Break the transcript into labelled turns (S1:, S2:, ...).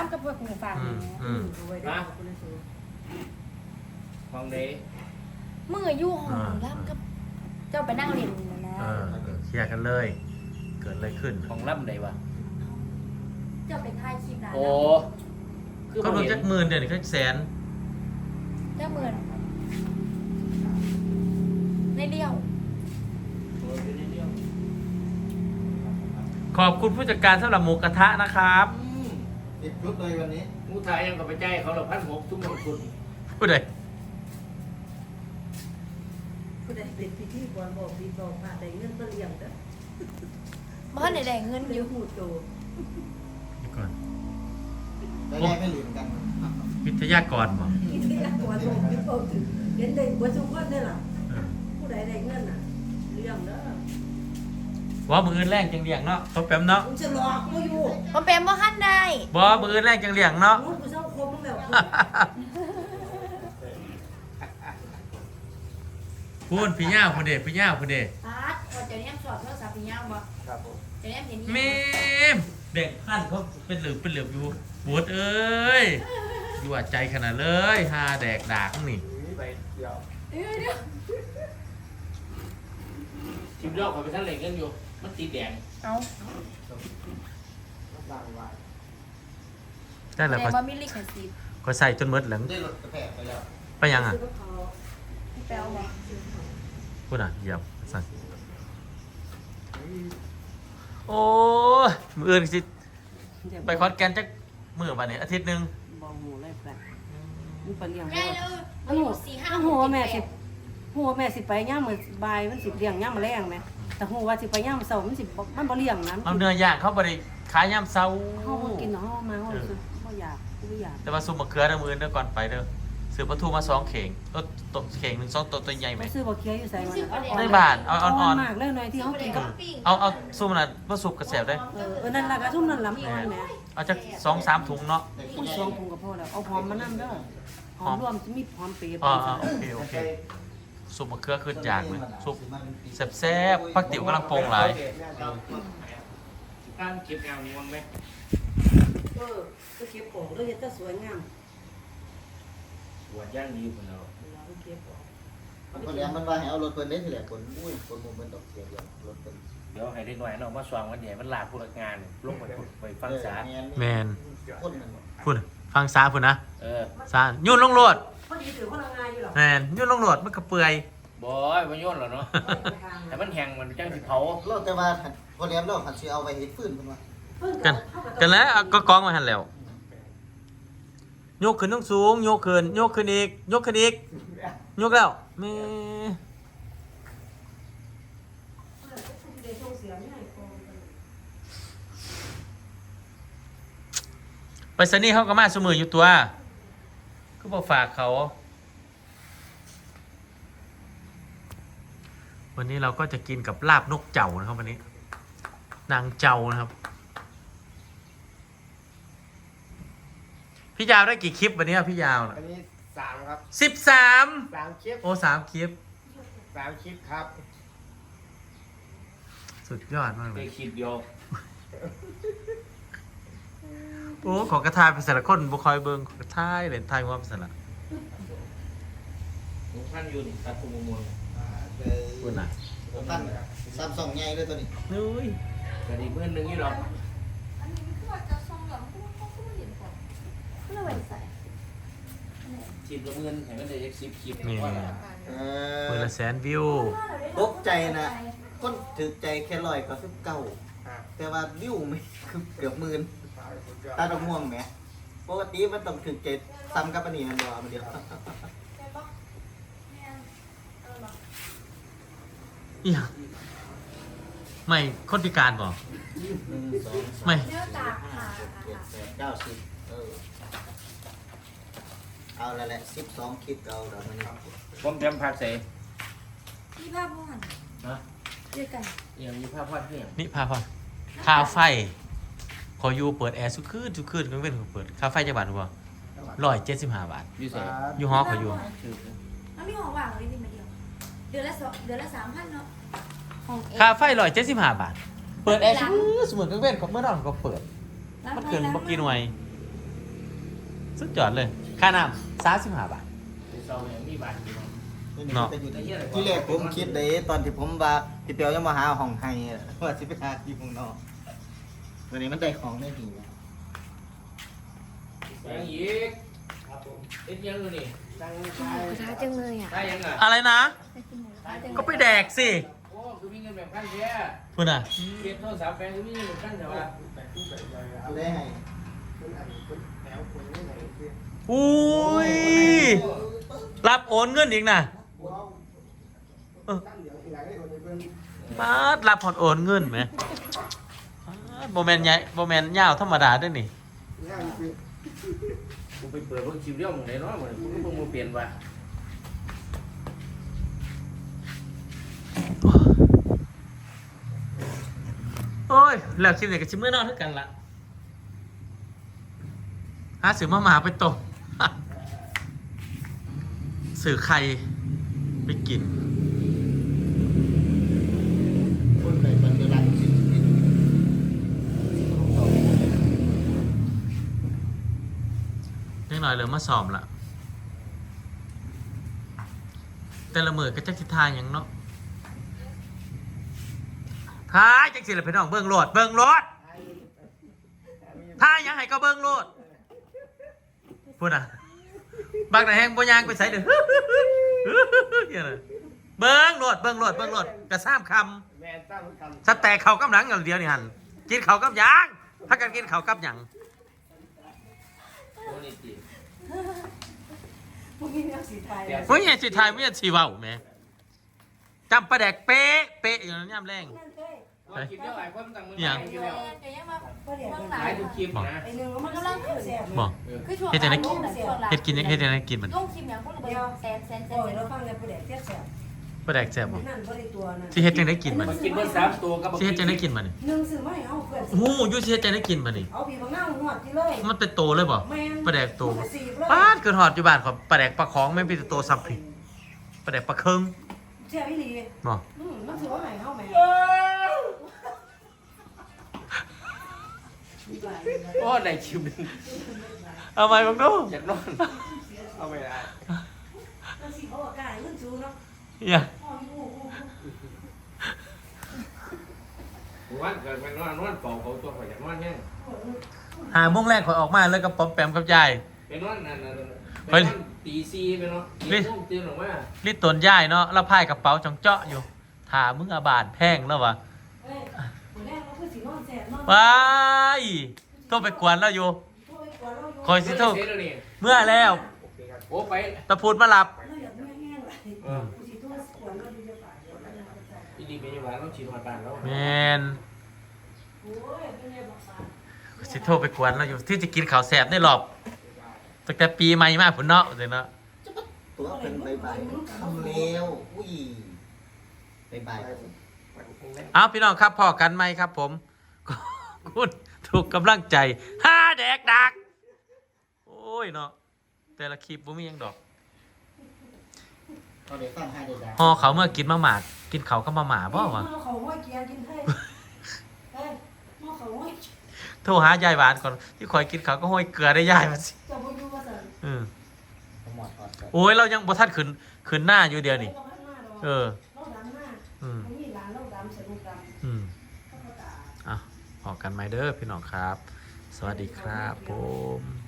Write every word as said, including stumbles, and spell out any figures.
S1: กับพวกหูฟังนี่นะ
S2: ห้องเดย์
S1: เมื่ออยู่ห้องล่ำกับเจ้าไปนั่งเรียนนะ
S3: เออเคลียร์กันเลยเกิดอะไรขึ้น
S2: ห้องล่ำใดวะ
S1: เจ้าไปถ่ายคลิปนะ
S2: โอ้
S3: เขาโดนจักหมื่นเดี๋ยวนี้เขาแสน
S1: เจ้าหมื่นในเดียว
S3: ขอบคุณผู้จัดการสำหรับหมูกระทะนะครับ
S4: ติดชุดเลยวันนี้
S2: มูทายยังกับไปใจเขาเราพันหกทุ่มหกคุณ
S3: ผู้ใด
S5: ผู้ใดเป็นพิธีกรบอกพี่บอกมาได้เงินมาเลี้ยงเด้อ
S1: บ้านไหนแดงเงินอยู่
S5: หูโต
S3: ก่อน
S4: ได้ได้ไม่ลืมกัน
S3: วิทยากรบ่
S5: วิทยากรบอกพี่บอกถึงเห็นได้บ่ทุกคนได้ล่ะผู้ใดได้เงินน่ะเลี้ยงเด้อ
S3: ว่ามืออื่นแรงจังเลี้ยงเนาะต้มแปมเนาะ
S5: มึงจะหลอกกูอยู่
S1: ผมเป็นบ่คันได้
S3: บ่มืออื่นแรงจังเลี้ยงเนาะ
S5: กูเศร้าคมมึงแล้ว
S3: พูนพี่ย่าพูนเดพี่ย่าพูนเด
S1: อาร์ตพอจะเลี้ยงสอดโทรศัพท์พี่ย่างบ่
S4: ครับผม
S1: จะเลี้ยงเห็น
S3: เมมเด็กพันเขาเป็นเหลือบเป็นเหลือบอยู่ปวดเอ้ยอยู่ใจขนาดเลยฮาแดกดากนี่
S4: ไปเดี๋ยว
S1: เดี๋ยวเดี๋ยว
S2: ชิมยอกเขาไปท่านเหล็กกันอยู่มันตีแดง
S1: เอา
S3: ได้แล้ว
S1: ก็มีลิขสิทธิ์
S3: ก็ใส่จนหมดหลัง
S4: ได้รถกระแทกไปแล้ว
S3: ไปยังอ่ะ
S1: พี่แป๊วบ่
S3: พูดอ่ะเหยียบสั่นโอ้ยมืออื่นสิไปคอนแกนจักมือวันนี้อาทิตย์หนึ่ง
S5: บ่หูเลยแปลมึงไปเลี้ยง
S1: ใหญ่เลย
S5: อันหูสี่ห้าหัวแม่สิหัวแม่สิไปย่ามมื้อบ่ายมันสิเลี้ยงย่ามมื้อแรงแม่แต่หัวว่าสิไปย่ามเช้ามันสิมันบ่เลี้ยงนะ
S3: เอาเนื้อย่างเขาบ่ได้ขายย่ำเช้า
S5: เฮากินเนาะเฮามาเฮาบ่อยากบ่อยาก
S3: แต่ว่าซุปมะเขือเด้อมือเด้อก่อนไปเด้อซื้อปลาทูมาสองเข่งเออตกเข่งนึงสองตัวตัวใหญ่มั้ย
S5: ซื้อบ่เคี้ยวอยู่ไสมัน
S3: ในบ้านเอาอ่อน
S5: ๆมากเลยหน่อยที่เฮากินกับ
S3: เอาเอาซุปน่ะบ่สุกกระแสบได้
S5: เออนั่นล่ะก็ซุ่มนั่นล่ะแม่
S3: เอาจัก สองสาม ถุงเนาะ
S5: สองถุงก็พอแล้วเอาหอมมานำเด้อหอมรวมสิมีหอมเปรี้ยว
S3: อ๋อโอเคโอเคซุปมะเขือขึ้นอยากมั้ยซุปแซ่บๆผักติ๋วกำลังโป่งหลาย
S2: การเก็บงานงวงไหม
S5: เออก็เก็บของเลยจะสวยงาม
S2: สวยย่างดีคนเรา
S5: เราเก็บของ
S4: คนแล้วมันว่าให้เอารถเพิ่นได้ทีแรกคนอุ้ยคนมุมมันตกเสียอย่างรถเพิ่น
S2: เดี๋ยวให้ได้หน่อยเนาะมาสว่างวันใหญ่มันลาผู้ละงานลงไปไปฟังสา
S3: แมน
S4: คน
S3: พูดฟังสาพูดนะ
S2: เออ
S3: สายุ่นลงโหลด
S5: พอดีถือพลังงานอยู่หรอ
S3: แมนยุ่นลงโหลดมันกระเปื่อย
S2: บอยมันย่นหรอเนาะแต่มันแห้งมันจังสิเผา
S4: เราแต่ว่าคนแล้วเราหันสิเอาไปเฮ็ดฟืนเพิ่นว่า
S3: กันกันแล้วก็กองมาหันแล้วยกขึ้นต้องสูงยกขึ้นยกขึ้นอีกยกขึ้นอีกยกแล้วแม่ไปสนี่เขาก็มาสมืออยู่ตัวก็บอกฝากเขาวันนี้เราก็จะกินกับลาบนกเจ้านะครับวันนี้นางเจ้านะครับพี่ยาวได้กี่คลิปวันนี้พี่ยาว
S4: อันนี้สามครับ
S3: สิบสาม
S4: สามคลิป
S3: โอ้สามคลิป
S4: สามคลิปครับ
S3: สุดยอดมากเลย
S2: คลิปเดียว
S3: โอ้ของกระทายเป็นสารคนบุคอยเบิงของกระทายเหรียญไทยว่าเป็นสาร
S2: ลุงท่านอยู่นี่ตัดตุ้มมวย
S3: คุณน่ะ
S4: ท่านซ้ำสองใหญ่เลยตัวนี้
S3: นุ้ย
S2: แต่อีกเมื่อนึงนี่หรอ
S1: อันนี้คือว่าจะส่งหลังผู้เขาผู้เห็นก่อนก็เลยใส่
S2: คลิปละเงินเห็นมันได้ยักสิบคลิป
S3: นี่เมื่อละแสนวิว
S4: ตกใจนะคนถือใจแค่ลอยก็คือเก่าแต่ว่าวิวไม่คือเกือบหมื่นตาดอกม่วงแหมปกติมันต้องถึงเจ็ดซ้ำกับอันนี้มันบ่มันเดียว
S3: อีหยังไม่คนพิการบ่ไม่
S4: เจ็ดแปดเก้าสิบเออเอาละแหละสิบสองคลิปเอาเดี๋ยวมัน
S2: ผมเตรียมผักใส่
S1: นี่ภาพพ่อน
S2: นะ
S1: เรียกกัน
S2: อย่างนี้ภาพพ่อนเพียง
S3: นี่ภาพพ่อนค่าไฟขออยู่เปิดแอร์สุคืนสุคืนก็เป็นเปิดค่าไฟจะบาทหรือเปล่าร้อยเจ็ดสิบห้าบาท
S2: อยู่ใส่
S3: อยู่หอขออยู่
S1: มันมีหอว่างเลยนี่มาเดียวเดือนละสองเดือนละสามพันเนาะ
S3: ค่าไฟร้อยเจ็ดสิบห้าบาทเปิดแอร์สุคืนสมมติก็เป็นเมื่อนอนก็เปิดมันเกินเมื่อกี้หน่วยสุดยอดเลยค่าน้ำสามสิบห้าบาท
S2: ในซองยังมีบาทอยู่
S3: เนาะ
S4: ที่แรกผมคิดเลยตอนที่ผมว่าพี่เปียวยังมาหาห้องไห้ว่าสิไปหาที่ข้างนอกวันนี้มันได้ของได้ดี
S2: ยังอีกครับผมเอ็ดยังเลยนี่ตั้ง
S1: หมูกระทะจังเลยอ่ะ
S2: ได้ยังอ่ะ
S3: อะไรนะ
S1: ไปกินหมูกระทะจังเลย
S3: ก็ไปแดกสิ
S2: โอ้คือมีเงินแบบขั้นเดีย
S3: พูดน่ะ
S2: เก็บโทรศัพท์แฟนคือมีเงินแบบขั้นแต่ว่า
S4: ได้ให้
S3: อุ้ยรับโอนเงินอีกนะเออมาดรับผ่อนโอนเงินไหมโบแมนใหญ่โบแมนยาวธรรมดาด้วยนี่
S2: กูไปเปิดพวกคิวเรื่องมึงไหนเนาะมึงกูเพิ่งมาเปลี่ยนว่ะ
S3: โอ้ยแล้วคลิปเนี่ยก็ชิมเมื่อนอนเท่ากันละหาสื่อมาหมาไปตก สื่อใครไปกิน
S4: คนไปมันจะรักสิ่งที่
S3: นิดหน่อยเหลือมาสอบละแต่ละมือก็จะทิศทางอย่างเนาะท้ายจังสิเลยพี่น้องเบิ้งโหลดเบิ้งโหลดท้ายยังไงก็เบิ้งโหลดพูดอ่ะบางแต่แห้งบ่ยางไปใส่เด้อ อย่างนั้นเบิ้งโหลดเบิ้งโหลดเบิ้งโหลดกระซ้ำค
S2: แม่ตั้งค
S3: ำสแต็กเขากำลังอย่างเดียวนี่หันกินเขากับหยังถ้ากันกินเขากับหยัง
S2: ำโอ้นี่จี
S5: พวกนี้เนี่ยสีไทย
S3: เฮ้ยสิทายไม่ใช่สีว่าวแหม่จำประแดกเป๊ะเป๊ะอย่างนั้นย่ำแรง
S5: นั่นเคย
S2: ว่าคลิปเรื่องหลายคนต่างมือ
S3: ยัง
S2: อยู่แล้ว
S1: เดี๋ยวยังมา
S5: ก็เดี๋ยว
S1: เบื้องห
S5: ห
S1: ลั
S2: หลายทุกคลิปนะ
S5: ไอ้หนึ่งมันกำลังขึ้นแสบ
S3: บอก
S1: คือช่วง
S3: เฮ็ดจังได๋
S1: ช่วงหลัง
S3: เฮ็ดกินเฮ็ดจังได๋กินมัน
S1: ลงคลิปอย่างพวกเราเบิร์แสนแสนแส
S5: โอ้
S1: น
S5: ยเราฟังเลยประเดี๋ยวเทียบแสบ
S3: ประแดกแซ่บบ่
S5: นั่นก็ได้ตัวนั่น
S3: สิเฮ็ดจังได๋กินมัน
S2: มากินเบอร์สามตัวกับ
S3: สิเฮ็ดจังได๋กินมันนี่
S5: หนึ่งซื้อมาให้เอาเพื่อน
S3: โอ้โหอยู่สิเฮ็ดจังได๋กินมันนี่
S5: เอาผีบางหน้าหนวดที่เลย
S3: มันเป็นโตเลยบ่
S5: แม่น
S3: ประแดกโต
S5: มันสีบเลย
S3: ปาดเกิดฮอดอยู่บ้านขอประแดกปลาของแม่นเป็นโตซับผิดประแดกปลาเคิง
S5: เชื่อพี่ลี
S3: บ่
S5: อืมมันถือว่าไหนเข้าแม่
S2: โอ้ได้คิวนึง
S3: เอาไปบักดู
S2: อยากนอนเอาไปได้
S5: มันสีเขาอากาศมันสูงเนาะ
S3: อย่า
S5: พ่ออยู่
S2: วันเกิดมันนอนนอนเป่าเขาตัวข่อยอยากนอนแห้ง
S3: หาโมงแรกข่อยออกมาเลยกับปอมแปมกับยาย
S2: ไปนอนนั่นน่ะ
S3: ไป
S2: ไปนอนตีซีไปเนาะตีทุ่มตื่นออกมา
S3: รีดตนยายเนาะแล้วพายกระเป๋าจองเจาะอยู่ถามึงอาบานแพงแล้ววะ
S5: เอ้ยคนแรกเราคือสีนอนแสบนอน
S3: ไปโทรไปกวนแล้วอยู่
S5: โทรไปกวนเราอยู่
S3: คอยสิโทร
S2: เสร็จแล้วนี่
S3: เมื่อแล้ว
S2: โอ้ไป
S3: ตะพูดมาหลับ
S5: เราอยากไม่แห้งเลย
S2: เออ
S5: กูสิโทรกวนเราดูจะตาย
S2: อีดีไปยังไงต้องฉีดหัวตาแล้ว
S3: แมน
S5: โอ้ยเป็นไงบอกมา
S3: สิโทรไปกวนแล้วอยู่ที่จะกินข้าวแสบในรอบตั้งแต่ปีใหม่มาผุนเนาะเดี๋ยวเนาะ
S4: ตัวเป็นใบใบทำเร็วอุ้ยใบใบ
S3: เอาพี่น้องครับพอกันไหมครับผม คุณถูกกำลังใจห้าแดกดักโอ้ยเนาะแต่ละคลิปบ่มีหยังดอก
S4: เอาเดี๋ยวฟังให้เดี๋ยวได้
S3: ฮอเขาเมื่อกินมาหมาดกินเขาก็มาหมาบ่วะ
S5: หม้อเขาห้อยเกียร์กินให้เอ้ยหม้อเขาห้อย
S3: โทรหายายหวานก่อนที่คอยกินเขาก็ห้อยเกลือได้ยายมาสิ
S5: จะบ่อยู่ว่าซั่น
S3: อืม
S4: ผมหมดก่อน
S3: โอ้ยเรายังบ่ทันขึ้นขึ้นหน้าอยู่เดียวนี่เออ
S5: เราดำหน้า
S3: อืม
S5: มันมีร้านเราดำสนุกดำ
S3: อืม
S5: เขาก็ตา
S3: อ่ะออกกันไหมเด้อพี่น้องครับ สวัสดีครับผม